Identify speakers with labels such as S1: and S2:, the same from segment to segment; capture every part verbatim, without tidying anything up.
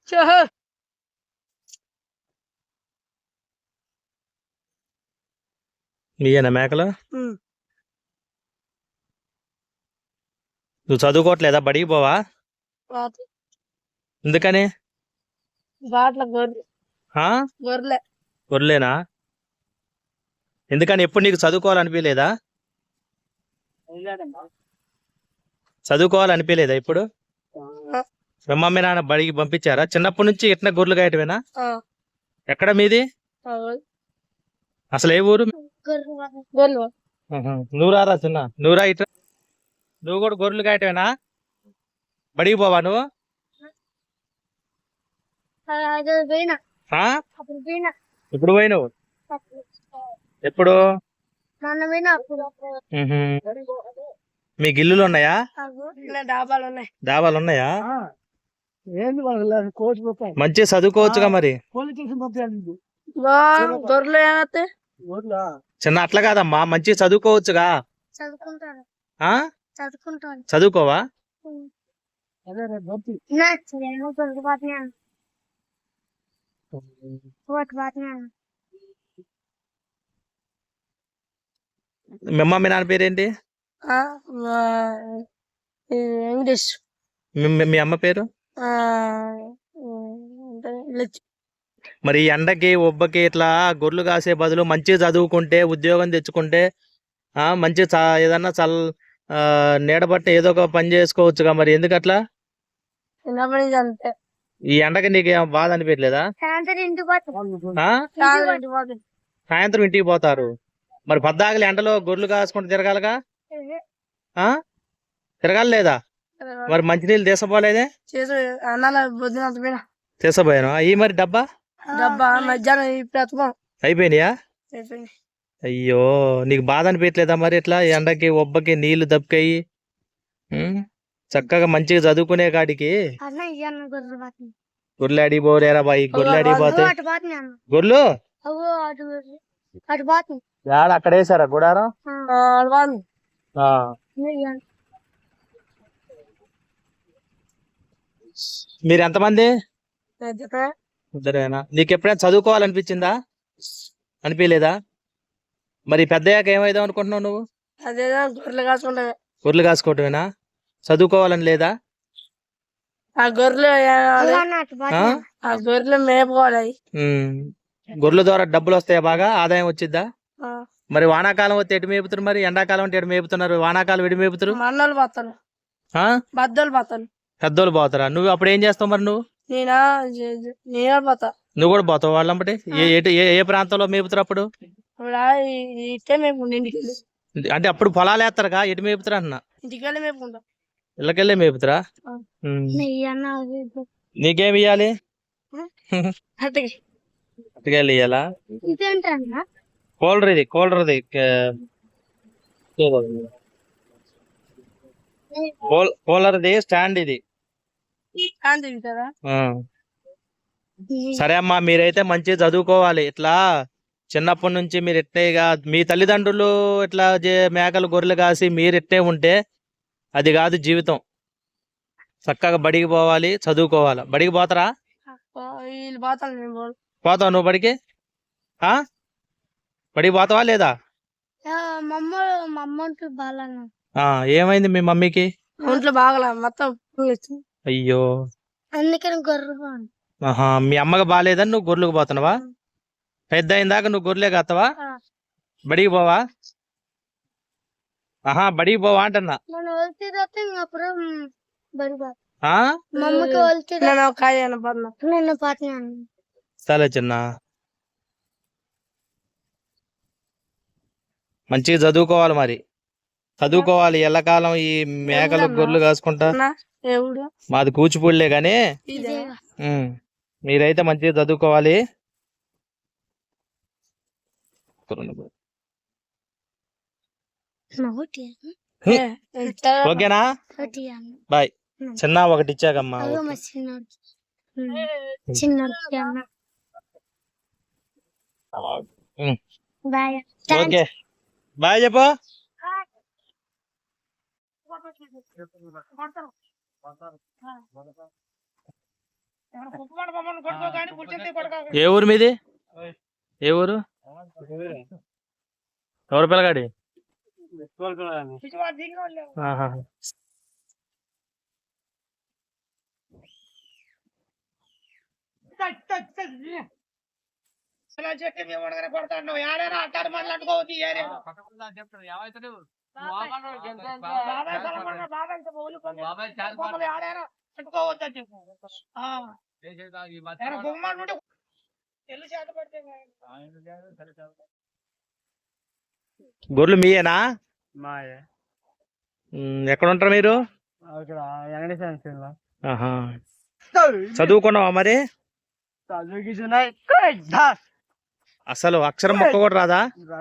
S1: మీయేనా మేకలు? నువ్వు చదువుకోవట్లేదా? బడికి పోవా? ఎందుకని? గొర్రెలేనా? ఎందుకని? ఎప్పుడు నీకు చదువుకోవాలనిపించలేదా? చదువుకోవాలనిపించలేదా ఇప్పుడు? మీ మమ్మీ నాన్న బడికి పంపించారా? చిన్నప్పటి నుంచి ఇట్లా గొర్రెలు గాయటమేనా? ఎక్కడ మీది? అసలు ఏ ఊరు? నువ్వు రారా చిన్న, నువ్వు రా ఇట్లా. నువ్వు కూడా గొర్రెలు గాయటమేనా? బడికి పోవా నువ్వు? ఇప్పుడు పోయినావు? ఎప్పుడు? మీ గిల్లులు ఉన్నాయా? డాబాలు ఉన్నాయా? మంచిగా చదువుకోవచ్చుగా మరి. చిన్న అట్లా కాదమ్మా, మంచిగా చదువుకోవచ్చుగా. చదువుకోవా? మీ అమ్మ మీ నాన్న పేరేంటి? మీ అమ్మ పేరు? మరి ఎండకి ఒబ్బకి ఇట్లా గొర్రెలు కాసే బదులు మంచిగా చదువుకుంటే, ఉద్యోగం తెచ్చుకుంటే, ఆ మంచి ఏదన్నా చల్ నీడబట్ట ఏదో ఒక పని చేసుకోవచ్చుగా. మరి ఎందుకు అట్లా? ఈ ఎండకి నీకు ఏం బాధ అనిపించలేదా? సాయంత్రం ఇంటికి పోతారు. మరి పద్దాకలి ఎండలో గొర్రెలు కాసుకుంటూ తిరగాలగా? తిరగాలి లేదా? మరి మంచినీళ్ళు తీసపోలేదే? తీసపోయాను. అయ్యి మరి డబ్బా అయిపోయినాయా? అయ్యో, నీకు బాధ అనిపించలేదా మరి? ఇట్లా ఎండకి ఒబ్బకి నీళ్లు దప్పుకయ్యి చక్కగా మంచిగా చదువుకునే కాడికి గొర్రెలు అడిగిపోలేరా బాయ్? గొర్రెలు అడిగిపోతాయి. గొర్రెలు అక్కడ వేసారా గుడారం? మీరు ఎంతమంది? ఇద్దరేనా? నీకు ఎప్పుడైనా చదువుకోవాలనిపించిందా? అనిపించలేదా? మరి పెద్దయ్యాక ఏమైదాం అనుకుంటున్నావు నువ్వు? గొర్రెలు కాసుకోవటమేనా? చదువుకోవాలని లేదా? గొర్రెల ద్వారా డబ్బులు వస్తాయా? బాగా ఆదాయం వచ్చిద్దా? మరి వానాకాలం వస్తే ఎటు మేపుతారు? మరి ఎండాకాలం అంటే ఎటు మేపుతున్నారు? వానాకాలం ఎటు మేపుతారు? పెద్దోళ్ళు పోతారా? నువ్వు అప్పుడు ఏం చేస్తావు మరి? నువ్వు నువ్వు కూడా పోతావు వాళ్ళంబటి? ఏ ప్రాంతంలో మేపుతారు అప్పుడు? అంటే అప్పుడు పొలాలు వేస్తారుగా, ఎటు మేపుతారు అన్న? ఇళ్ళకెళ్ళే మేపుతారా? నీకేమి ఇయ్యాలి? అట్టుకెళ్ళి ఇయ్యాలా? కూలర్ ఇది, కూలర్ది కూలర్ది స్టాండ్ ఇది. సరే అమ్మా, మీరైతే మంచిగా చదువుకోవాలి. ఇట్లా చిన్నప్పటి నుంచి మీరు ఎట్టేగా మీ తల్లిదండ్రులు ఇట్లా మేకలు గొర్రెలు కాసి మీరు ఎట్టే ఉంటే అది కాదు జీవితం. చక్కగా బడికి పోవాలి, చదువుకోవాలి. బడికి పోతారా? పోతావు నువ్వు బడికి? బడికి పోతావా లేదా? ఏమైంది మీ మమ్మీకి? ఒంట్లో బాగలా మొత్తం. అయ్యో, ఆహా, మీ అమ్మకి బాగాలేదని నువ్వు గొర్రెలకు పోతున్నావా? పెద్ద అయిందాక నువ్వు గొర్రెలే కాస్తావా? బడికి పోవా? ఆహా, బడికి పోవా అంటన్నా. సరే చిన్న, మంచిగా చదువుకోవాలి. మరి చదువుకోవాలి. ఎల్లకాలం ఈ మేకలు గొర్రెలు కాసుకుంటా. మాది కూచిపూడిలే గాని మీరైతే మంచిగా చదువుకోవాలి. ఓకేనా? బాయ్. చిన్న ఒకటి ఇచ్చాకమ్మా. ఓకే, బాయ్ చెప్పు. ఏ ఊరు మీది? ఏ ఊరు? ఎవరు పిల్లగాడి? ఆహా. గొర్రెలు మీయేనా?
S2: మాయే.
S1: ఉమ్, ఎక్కడ ఉంటారు మీరు?
S2: ఇక్కడ వెంకటేశ్వర సెంటర్ లో.
S1: ఆహా. చదువుకున్నావా మరి?
S2: చదువుకి
S1: అసలు అక్షరం మొక్క కూడా రాదా?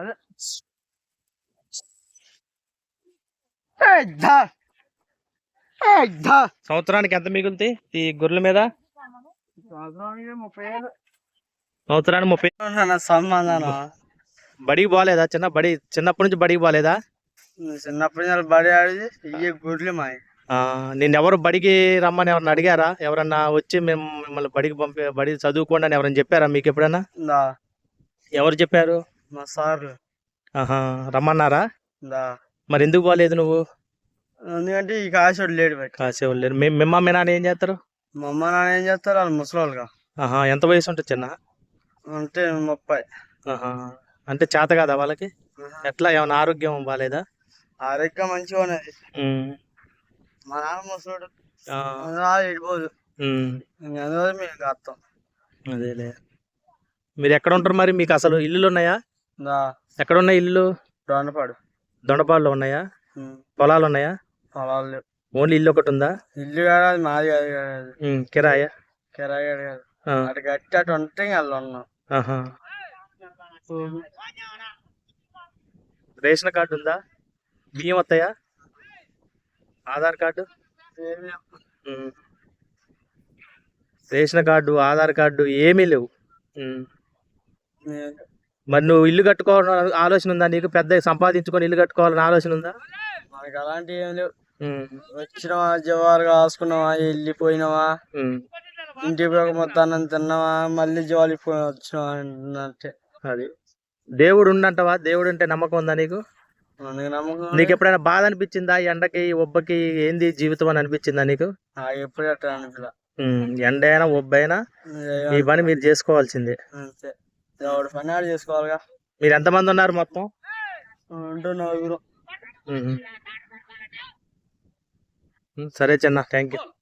S1: సంవత్సరానికి ఎంత మిగులుతాయి ఈ గొర్రెల మీద?
S2: ముప్పై ఏళ్ళు.
S1: సంవత్సరానికి ముప్పై.
S2: సంబంధం
S1: బడికి పోలేదా? చిన్న బడి చిన్నప్పటి నుంచి బడికి పోలేదా?
S2: చిన్నప్పటి నుంచి బడి ఆడి ఇయ్యే గుడ్లు మాయ.
S1: నేను ఎవరు బడికి రమ్మని ఎవరన్నా అడిగారా? ఎవరన్నా వచ్చి మేము మిమ్మల్ని బడికి పంపే బడి చదువుకోండి అని ఎవరైనా చెప్పారా మీకు ఎప్పుడన్నా? ఎవరు చెప్పారు?
S2: మా సార్లు.
S1: ఆహా, రమ్మన్నారా?
S2: దా.
S1: మరి ఎందుకు పోలేదు నువ్వు?
S2: ఎందుకంటే ఈ కాసేవాడు లేడు.
S1: కాసేవాళ్ళు లేరు. మిమ్మ మీ నాన్న ఏం చేస్తారు?
S2: మా అమ్మ నాన్న ఏం చేస్తారు? వాళ్ళు ముసలోళ్ళుగా.
S1: ఆహా, ఎంత వయసు ఉంటుంది చిన్న?
S2: అంటే ముప్పై.
S1: ఆహా, అంటే చేత కదా వాళ్ళకి? ఎట్లా ఏమైనా ఆరోగ్యం బాగాలేదా?
S2: ఆరోగ్యం మంచిగా ఉన్నది. మా నాన్న ముసలోడు వెళ్ళిపోదు. అందువల్ల మేము కాస్తాం.
S1: అదేలే. మీరు ఎక్కడ ఉంటారు మరి? మీకు అసలు ఇల్లులు ఉన్నాయా? ఎక్కడ ఉన్నాయి ఇల్లు?
S2: దొండపాడు.
S1: దొండపాడులో ఉన్నాయా? పొలాలు ఉన్నాయా?
S2: పొలాలు లేవు.
S1: ఓన్లీ ఇల్లు ఒకటి ఉందా?
S2: ఇల్లు కాదు, మాది కాదు.
S1: కిరాయా?
S2: కిరాయి కాదు, అటు కట్టి అటు ఉంటే వాళ్ళు ఉన్నాం.
S1: రేషన్ కార్డు ఉందా? బియ్యం వస్తాయా? Aadhaar card? Ration card, Aadhaar card ఏమీ లేవు. మరి నువ్వు ఇల్లు కట్టుకోవాలని ఆలోచన ఉందా నీకు? పెద్ద సంపాదించుకొని ఇల్లు కట్టుకోవాలని ఆలోచన ఉందా?
S2: మనకి అలాంటివి ఏం లేవు. వచ్చినవా, జవాలు కాసుకున్నావా, వెళ్ళిపోయినావా, ఇంటికి పోక మొత్తాన్ని తిన్నావా, మళ్ళీ జవాలు వచ్చినావా అంటే. అది
S1: దేవుడు ఉండంటావా? దేవుడు అంటే నమ్మకం ఉందా నీకు?
S2: నమ్మకం.
S1: నీకు ఎప్పుడైనా బాధ అనిపించిందా? ఎండకి ఒబ్బకి ఏంది జీవితం అని అనిపించిందా నీకు?
S2: ఎప్పుడు అట్లా అనిపించలే.
S1: ఎండ అయినా ఒబ్బైనా మీ పని మీరు చేసుకోవాల్సిందే.
S2: అంతే, ఎవరి పని ఆడు చేసుకోవాలిగా.
S1: మీరు ఎంతమంది ఉన్నారు మొత్తం?
S2: నలుగురు.
S1: సరే చిన్న, థ్యాంక్ యూ.